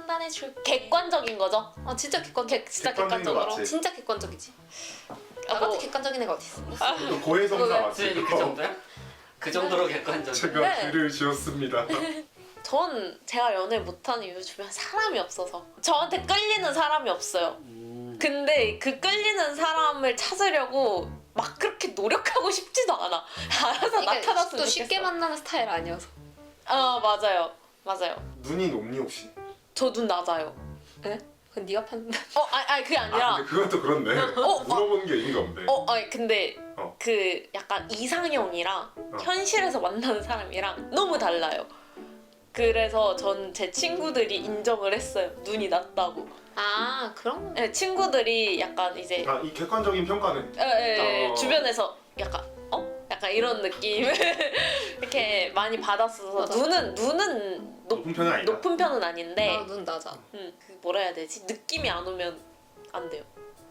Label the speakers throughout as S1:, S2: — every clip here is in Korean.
S1: 판단해줄
S2: 객관적인 거죠?
S1: 진짜
S2: 진짜
S3: 객관적인 거
S2: 객관적으로.
S3: 맞지?
S1: 진짜 객관적이지.
S2: 아,
S1: 나같이
S2: 뭐-
S1: 객관적인 애가 어디 있어?
S3: 또 고해성사
S1: 왜?
S3: 맞지?
S4: 그 정도야? 그 정도로 객관적.
S3: 제가
S2: 네.
S3: 글을 지었습니다.
S2: 전 제가 연애를 못하는 이유 주변 사람이 없어서 저한테 끌리는 사람이 없어요. 근데 그 끌리는 사람을 찾으려고 막 그렇게 노력하고 싶지도 않아. 알아서
S1: 그러니까
S2: 나타났으면
S1: 또 쉽게
S2: 좋겠어.
S1: 만나는 스타일 아니어서.
S2: 맞아요. 맞아요.
S3: 눈이 높니 혹시?
S2: 저 눈 낮아요.
S1: 네? 그건 네가 판단.
S2: 아니 그게 아니라
S3: 근데 그건 또 그렇네. 물어보는 게 의미가 없네.
S2: 아니 근데
S3: 어.
S2: 그 약간 이상형이랑 현실에서 만나는 사람이랑 너무 달라요. 그래서 전 제 친구들이 인정을 했어요. 눈이 낮다고.
S1: 그런 거.
S2: 네, 친구들이 약간 이제
S3: 이 객관적인 평가는
S2: 주변에서 약간 약간 이런 느낌을 이렇게 많이 받았어서
S1: 맞아.
S2: 눈은
S3: 높은 편은 아니다.
S2: 높은 편은 아닌데
S1: 눈 낮아.
S2: 그 뭐라 해야 되지? 느낌이 안 오면 안 돼요.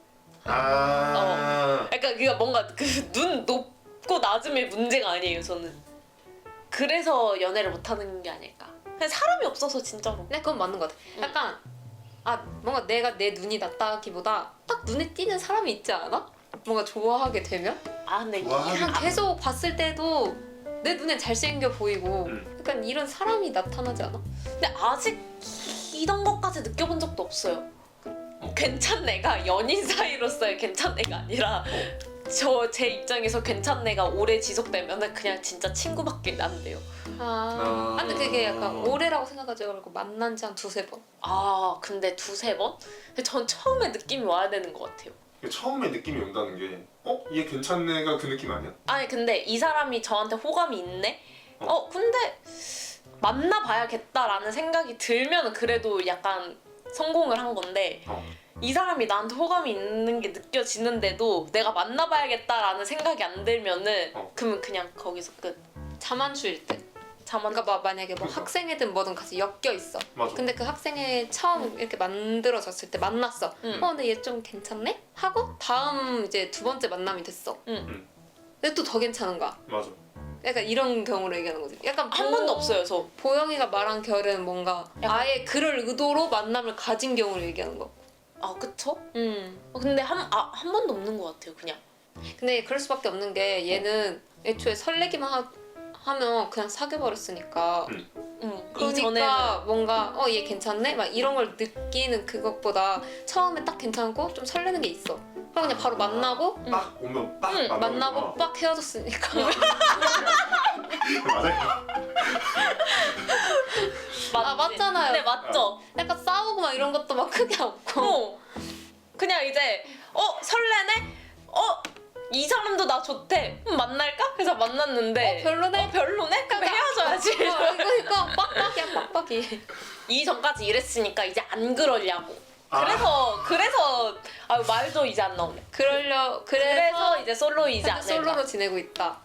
S2: 약간 그가 뭔가 그 눈 높고 낮음의 문제가 아니에요. 저는 그래서 연애를 못하는 게 아닐까. 그냥 사람이 없어서 진짜로.
S1: 근데 그건 맞는 것 같아. 약간 뭔가 내가 내 눈이 낮다기보다 딱 눈에 띄는 사람이 있지 않아? 뭔가 좋아하게 되면?
S2: 근데
S1: 그냥 계속 봤을 때도 내 눈엔 잘생겨 보이고 약간 이런 사람이 나타나지 않아?
S2: 근데 아직 이런 것까지 느껴본 적도 없어요. 괜찮네가 연인 사이로서의 괜찮네가 아니라 제 입장에서 괜찮네가 오래 지속되면은 그냥 진짜 친구밖에 안 돼요.
S1: 근데 그게 약간 오래라고 생각하지 말고 만난 지 한 두세 번.
S2: 근데 두세 번? 근데 전 처음에 느낌이 와야 되는 것 같아요.
S3: 처음에 느낌이 온다는 게 얘 괜찮네가 그 느낌 아니야?
S2: 아니 근데 이 사람이 저한테 호감이 있네? 근데 만나봐야겠다라는 생각이 들면 그래도 약간 성공을 한 건데 이 사람이 나한테 호감이 있는 게 느껴지는데도 내가 만나봐야겠다라는 생각이 안 들면은 그러면 그냥 거기서 끝.
S1: 자만추일 때. 그러니까 만약에 뭐
S3: 그러니까.
S1: 학생회든 뭐든 같이 엮여 있어.
S3: 맞아.
S1: 근데 그 학생회 처음 이렇게 만들어졌을 때 만났어. 근데 얘 좀 괜찮네? 하고 다음 이제 두 번째 만남이 됐어. 근데 또 더 괜찮은 거야.
S3: 맞아.
S1: 약간 이런 경우를 얘기하는 거지. 약간
S2: 한 번도 없어요 저.
S1: 보영이가 말한 결은 뭔가
S2: 약간-
S1: 아예 그럴 의도로 만남을 가진 경우를 얘기하는 거.
S2: 그쵸?
S1: 음.
S2: 근데 한 번도 없는 것 같아요 그냥.
S1: 근데 그럴 수밖에 없는 게 얘는 애초에 설레기만 하면 그냥 사귀어버렸으니까. 그러니까
S2: 이전에는
S1: 뭔가 얘 괜찮네? 막 이런 걸 느끼는 그것보다 처음에 딱 괜찮고 좀 설레는 게 있어. 그럼 그냥 바로 만나고
S3: 딱 오면 딱
S1: 만나고 빡 헤어졌으니까.
S3: 맞아요.
S1: 맞잖아요.
S2: 네 맞죠.
S1: 약간 싸우고 막 이런 것도 막 크게 없고.
S2: 그냥 이제 설레네? 이 사람도 나 좋대. 만날까? 그래서 만났는데
S1: 별로네?
S2: 별로네? 그럼 헤어져야지.
S1: 이거 빡빡이야 빡빡이.
S2: 이전까지 이랬으니까 이제 안 그러려고. 그래서 말도 이제 안 나오네. 그래서 이제 솔로이지 않을까.
S1: 솔로로 지내고 있다.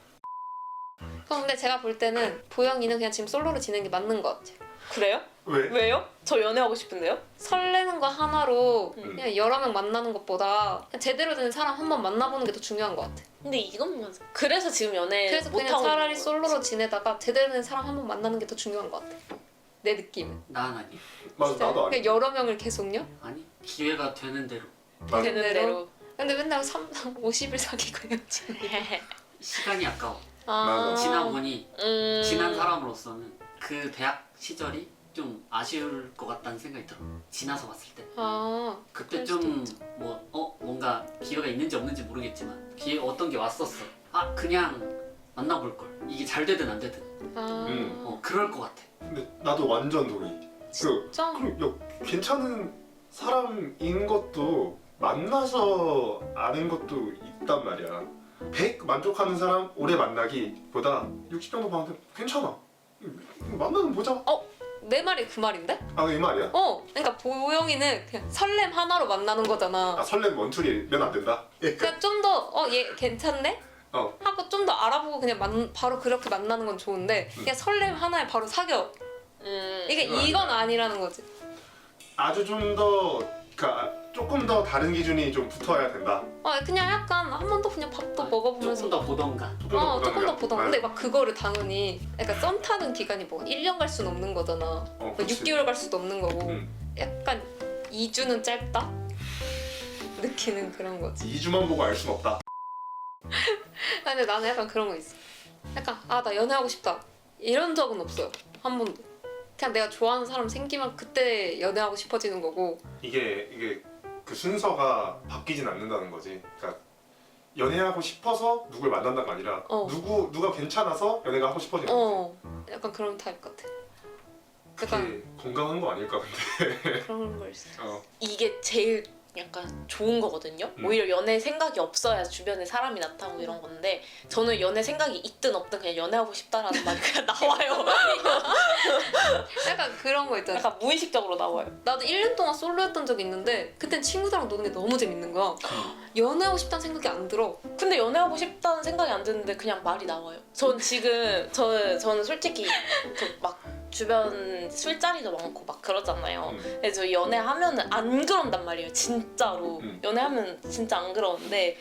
S1: 근데 제가 볼 때는 보영이는 그냥 지금 솔로로 지내는 게 맞는 것 같아.
S2: 그래요?
S3: 왜?
S2: 왜요? 저 연애하고 싶은데요?
S1: 설레는 거 하나로 그냥 여러 명 만나는 것보다 그냥 제대로 된 사람 한 번 만나보는 게 더 중요한 것 같아.
S2: 근데 이건 맞아. 그래서 지금 연애
S1: 그래서 그냥
S2: 못하고
S1: 차라리
S2: 있는
S1: 솔로로 지내다가 제대로 된 사람 한 번 만나는 게 더 중요한 것 같아. 내 느낌은.
S4: 난 아니.
S3: 맞아 나도
S1: 그냥
S3: 아니.
S1: 여러 명을 계속요?
S4: 아니 기회가 되는 대로.
S3: 맞아.
S2: 되는 대로.
S1: 근데 맨날 50일 사귀고 헤어지는.
S4: 시간이 아까워.
S3: 맞아.
S4: 지나보니 지난 사람으로서는 그 대학 시절이 좀 아쉬울 것 같다는 생각이 들어. 지나서 봤을 때. 그때
S1: 그럴 수도
S4: 좀 뭔가 기회가 있는지 없는지 모르겠지만 어떤 게 왔었어. 그냥 만나볼 걸. 이게 잘 되든 안 되든. 그럴 것 같아.
S3: 근데 나도 완전 동의.
S1: 진짜?
S3: 괜찮은 사람인 것도 만나서 아는 것도 있단 말이야. 100 만족하는 사람 오래 만나기보다 60 정도 봤는데 괜찮아. 만나는 보자.
S1: 내 말이 그 말인데?
S3: 이 말이야?
S1: 그러니까 보영이는 그냥 설렘 하나로 만나는 거잖아.
S3: 설렘 원툴이면 안 된다?
S1: 그러니까 좀 더 얘 괜찮네? 하고 좀 더 알아보고 그냥 바로 그렇게 만나는 건 좋은데 그냥 설렘 하나에 바로 사겨. 이건 아니라는 거지.
S3: 아주 좀 더 조금 더 다른 기준이 좀 붙어야 된다.
S1: 그냥 약간 한 번 더 그냥 밥도 먹어보면서
S4: 조금 더 보던가.
S1: 조금 더 보던. 근데 막 그거를 당연히 약간 썸 타는 기간이 뭐 1년 갈 수는 없는 거잖아. 뭐
S3: 그치.
S1: 6개월 갈 수도 없는 거고. 약간 2주는 짧다? 느끼는 그런 거지.
S3: 2주만 보고 알 순 없다.
S1: 근데 나는 약간 그런 거 있어. 약간 아 나 연애하고 싶다 이런 적은 없어요. 한 번도. 그냥 내가 좋아하는 사람 생기면 그때 연애하고 싶어지는 거고.
S3: 이게 그 순서가 바뀌진 않는다는 거지. 그러니까 연애하고 싶어서 누굴 만난다가 아니라 누가 괜찮아서 연애가 하고 싶어지는 거지.
S1: 약간 그런 타입 같아.
S3: 그게
S1: 약간
S3: 건강한 거 아닐까 근데.
S1: 그런 걸 있어.
S2: 이게 제일 약간 좋은 거거든요. 오히려 연애 생각이 없어야 주변에 사람이 나타나고 이런 건데 저는 연애 생각이 있든 없든 그냥 연애하고 싶다라는 말이 그냥 나와요.
S1: 약간 그런 거 있잖아.
S2: 약간 무의식적으로 나와요.
S1: 나도 1년 동안 솔로였던 적이 있는데 그땐 친구들이랑 노는 게 너무 재밌는 거야. 연애하고 싶다는 생각이 안 들어.
S2: 근데 연애하고 싶다는 생각이 안 드는데 그냥 말이 나와요. 전 지금 저는 솔직히 막 주변 술자리도 많고 막 그러잖아요. 그래서 연애하면은 안 그런단 말이에요. 진짜로 연애하면 진짜 안 그러는데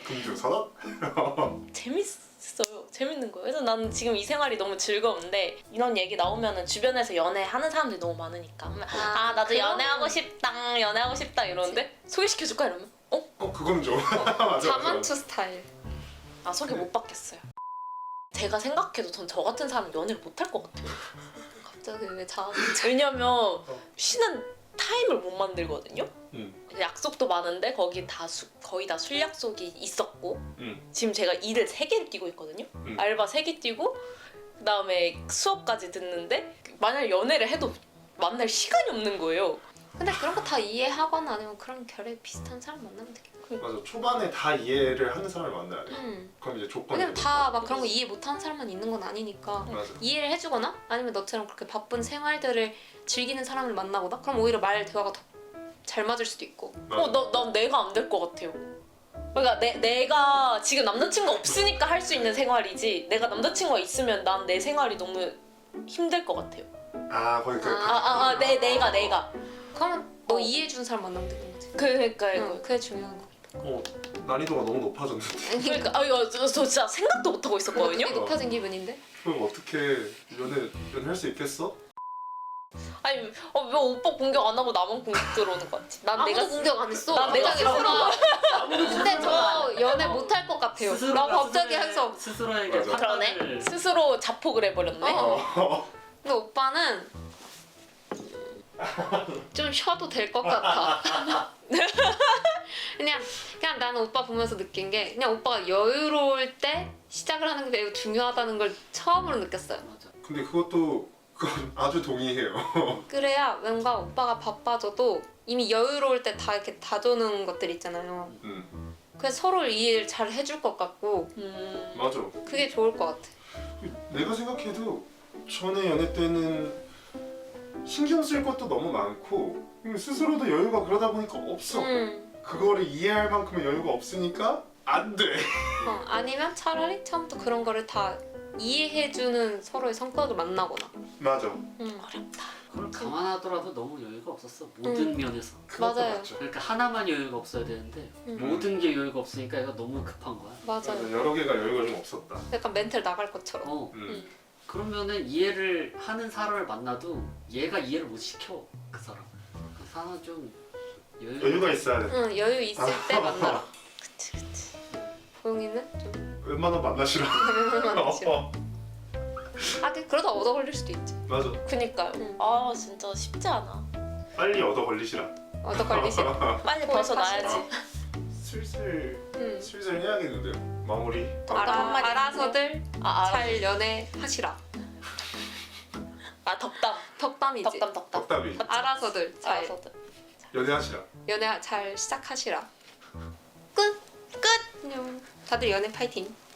S3: 금주선언?
S2: 재밌어요. 재밌는 거예요. 그래서 나는 지금 이 생활이 너무 즐거운데 이런 얘기 나오면은 주변에서 연애하는 사람들이 너무 많으니까 아 나도
S1: 그럼.
S2: 연애하고 싶다 이러는데 소개시켜줄까 이러면
S3: 그건 좀 맞아.
S1: 자만추 스타일.
S2: 아 소개 못 받겠어요. 제가 생각해도 전 저 같은 사람은 연애를 못 할 것 같아요.
S1: 갑자기 왜 자만추?
S2: 왜냐면 쉬는 타임을 못 만들거든요.
S3: 응.
S2: 약속도 많은데 거의 다 술 약속이 있었고
S3: 응.
S2: 지금 제가 일을 3개를 뛰고 있거든요. 알바 3개 뛰고 그다음에 수업까지 듣는데 만약 연애를 해도 만날 시간이 없는 거예요.
S1: 근데 그런 거 다 이해하거나 아니면 그런 결에 비슷한 사람 만나면 되겠다.
S3: 맞아. 초반에 다 이해를 하는 사람을 만나야 돼. 그럼 이제 조건이.
S1: 왜냐면 다 막 그런 거 이해 못하는 사람만 있는 건 아니니까
S3: 맞아.
S1: 이해를 해주거나 아니면 너처럼 그렇게 바쁜 생활들을 즐기는 사람을 만나거나 그럼 오히려 말 대화가 더 잘 맞을 수도 있고.
S2: 난 내가 안 될 것 같아요. 그러니까 내가 지금 남자친구 없으니까 할 수 있는 생활이지 내가 남자친구가 있으면 난 내 생활이 너무 힘들 것 같아요.
S3: 아 거기
S2: 내가
S1: 그러면 너 이해해주는 사람 만나면 되는 거지.
S2: 그러니까 이거
S1: 그게 중요한 거.
S3: 난이도가 너무 높아졌는데.
S2: 그러니까 이거 저 진짜 생각도 못 하고 있었거든요.
S1: 되게 높아진 기분인데?
S3: 그럼 어떻게 연애할 수 있겠어?
S2: 아니 왜 오빠 공격 안 하고 나만 공격 들어오는 거 같지? 난
S1: 아무도
S2: 내가
S1: 공격 안 했어.
S2: 난 내가
S1: 갑자기
S2: 스스로
S1: 근데 저 연애 못 할 것 같아요. 라고 갑자기 해서.
S4: 스스로에게
S3: 맞아.
S2: 그러네.
S4: 판단을
S2: 스스로 자폭을 해버렸네.
S1: 근데 오빠는 좀 쉬어도 될 것 같아. 그냥 나는 오빠 보면서 느낀 게 그냥 오빠가 여유로울 때 시작을 하는 게 매우 중요하다는 걸 처음으로 느꼈어요.
S4: 맞아.
S3: 근데 그건 아주 동의해요.
S1: 그래야 뭔가 오빠가 바빠져도 이미 여유로울 때 다 이렇게 다져놓은 것들 있잖아요. 그래서 서로 이해를 잘 해줄 것 같고
S3: 맞아.
S1: 그게 좋을 것 같아.
S3: 내가 생각해도 전에 연애 때는 신경 쓸 것도 너무 많고 스스로도 여유가 그러다 보니까 없어. 그거를 이해할 만큼의 여유가 없으니까 안 돼.
S1: 아니면 차라리 처음부터 그런 거를 다 이해해주는 서로의 성격을 만나거나.
S3: 맞아.
S2: 어렵다.
S4: 그걸 감안하더라도 너무 여유가 없었어 모든 면에서.
S3: 그것도
S1: 맞아요.
S3: 맞죠.
S4: 그러니까 하나만 여유가 없어야 되는데 모든 게 여유가 없으니까 얘가 너무 급한 거야.
S1: 맞아요.
S3: 여러 개가 여유가 좀 없었다.
S1: 약간 멘탈 나갈 것처럼.
S4: 그러면은 이해를 하는 사람을 만나도 얘가 이해를 못 시켜 그 사람. 그 사람은 좀
S3: 여유가 있어야 돼.
S1: 여유 있을 때 만나라.
S2: 그치.
S1: 보영이는 좀
S3: 웬만하면 만나시라.
S1: 만나시라. 그러다 얻어 걸릴 수도 있지.
S3: 맞아.
S2: 그니까요. 아 진짜 쉽지 않아.
S3: 빨리 얻어 걸리시라.
S1: 얻어 걸리시라.
S2: 빨리
S1: 거의
S2: 벗어나야지.
S3: 슬슬 해야겠는데요. 마무리.
S2: 한마디
S1: 알아서들
S2: 알아.
S1: 잘 연애하시라.
S2: 덕담.
S1: 덕담이지.
S2: 덕담.
S3: 덕담이.
S1: 알아서들 잘
S2: 알아서들.
S3: 연애하시라.
S1: 연애 잘 시작하시라. 끝. 안녕. 다들 연애 파이팅.